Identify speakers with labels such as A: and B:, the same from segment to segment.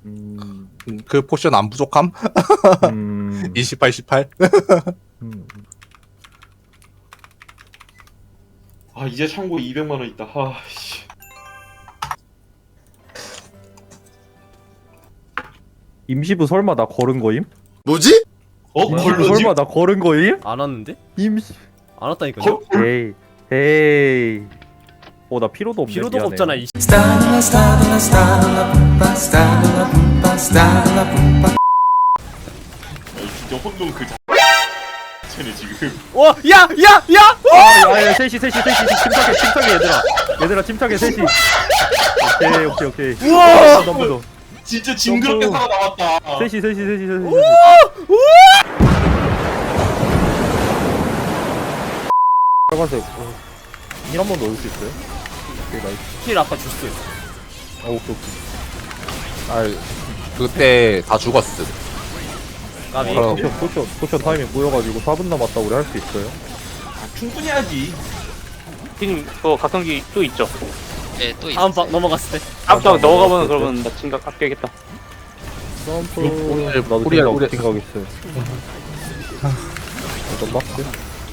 A: 그 포션 안 부족함? 28, 18?
B: 아 이제 창고에 200만원 있다. 아씨.
C: 임시부 설마 나 걸은 거임?
D: 뭐지?
C: 임시부
B: 걸로지?
C: 설마 나 걸은 거임?
E: 안 왔는데?
C: 임시
E: 안 왔다니까요.
C: 에이 에이 나 피로도 없네.
E: 필요도
C: 미안해.
E: 없잖아 이
B: 진짜 혼돈 그 자체네 지금.
E: 와! 야! 야! 야!
C: 야 셋이 침착해 얘들아 침착해 셋이. 오케이
E: 우와!
C: 너무 더
B: 진짜 징그럽게
C: 점프.
B: 살아남았다.
C: 셋이 빨간색 힐한 번 넣을 수 있어요? 오케이 나이스.
E: 힐 아까 줬어요.
C: 오케이
A: 아, 그때 다 죽었음.
E: 까비.
A: 그럼.
C: 포션 타이밍 꼬여가지고 4분 남았다 우리 할 수 있어요?
B: 아, 충분히 하지.
F: 지금 그거 각성기 또 있죠?
G: 네, 또
E: 다음
G: 있어요.
E: 방 넘어갔을 때.
F: 앞장 넣어가면 그러면 나 진각 아껴야겠다.
C: 점프
A: 우리엘,
C: 나도
A: 우리엘.
C: 생각 있어요. 어떤 박스?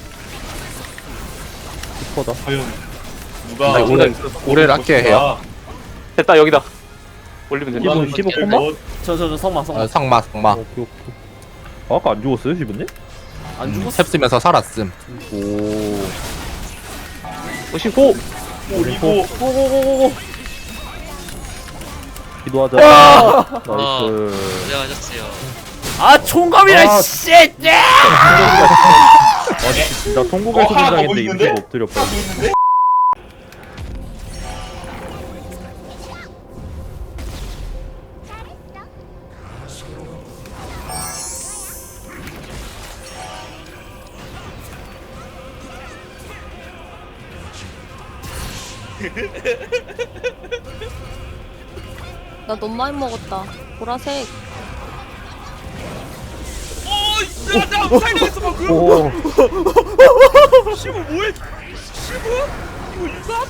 C: 슈퍼다.
B: 과연 누가
A: 아니, 우레를 아껴야 해요.
F: 됐다 여기다. 올리면 된다.
C: 이분 15 콤마?
E: 저 성마.
A: 아, 상마.
C: 오케이. 아까 안 죽었어요, 시분님?
E: 안 죽었어.
A: 탭 쓰면서 살았음.
C: 오.
F: 오신 고!
B: 올리고
E: 고고고고고.
C: 기도하자.
G: 아.
C: 나이스.
G: 고생하셨어요.
E: 아 총검이라
C: 아.
E: 씨.
C: 나 통곡의
B: 하나 더
C: 소문장인데
B: 보이는데?
C: 임시가 엎드려 봐.
B: 하고 있는데?
H: 나 너무 많이 먹었다. 보라색.
E: 나 살려냈어 방금.
C: 오.
E: 시부 뭐해? 시부? 이거 유감?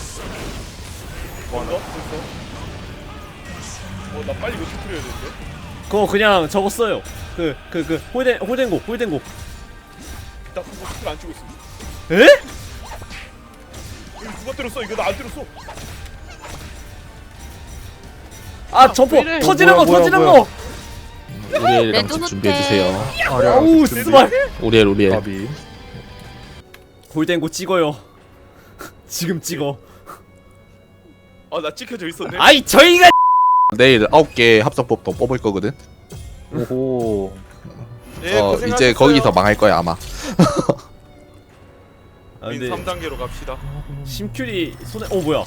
B: 나 빨리 이거 터뜨려야 되는데.
E: 그거 그냥 저거 써요. 홀덴곡.
B: 나 그거 스킬 안 치고 있어.
E: 에?
B: 이거 누가 때렸어? 이거 나 안 때렸어.
E: 아 점프 터지는 거
C: 뭐야,
E: 터지는
C: 뭐야.
E: 거.
A: 우리엘이랑
H: 내
A: 집
H: 눈앞에.
A: 준비해주세요.
E: 아우 스발.
A: 우리엘.
C: 가비.
E: 홀덴곡 찍어요. 지금 찍어.
B: 나 찍혀져 있었네.
E: 아이 저희가
A: 내일 9개 합성법도 뽑을 거거든.
C: 오호.
A: 이제 거기서 망할 거야, 아마.
E: 아 근데
B: 3단계로 갑시다.
E: 심큐리 손에 뭐야?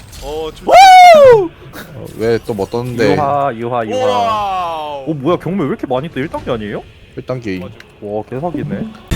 A: 왜 또 뭐 떴는데.
C: 유하.
B: 와우.
C: 뭐야 경매 왜 이렇게 많이 떠? 1단계 아니에요?
A: 1단계.
C: 와 개사기네.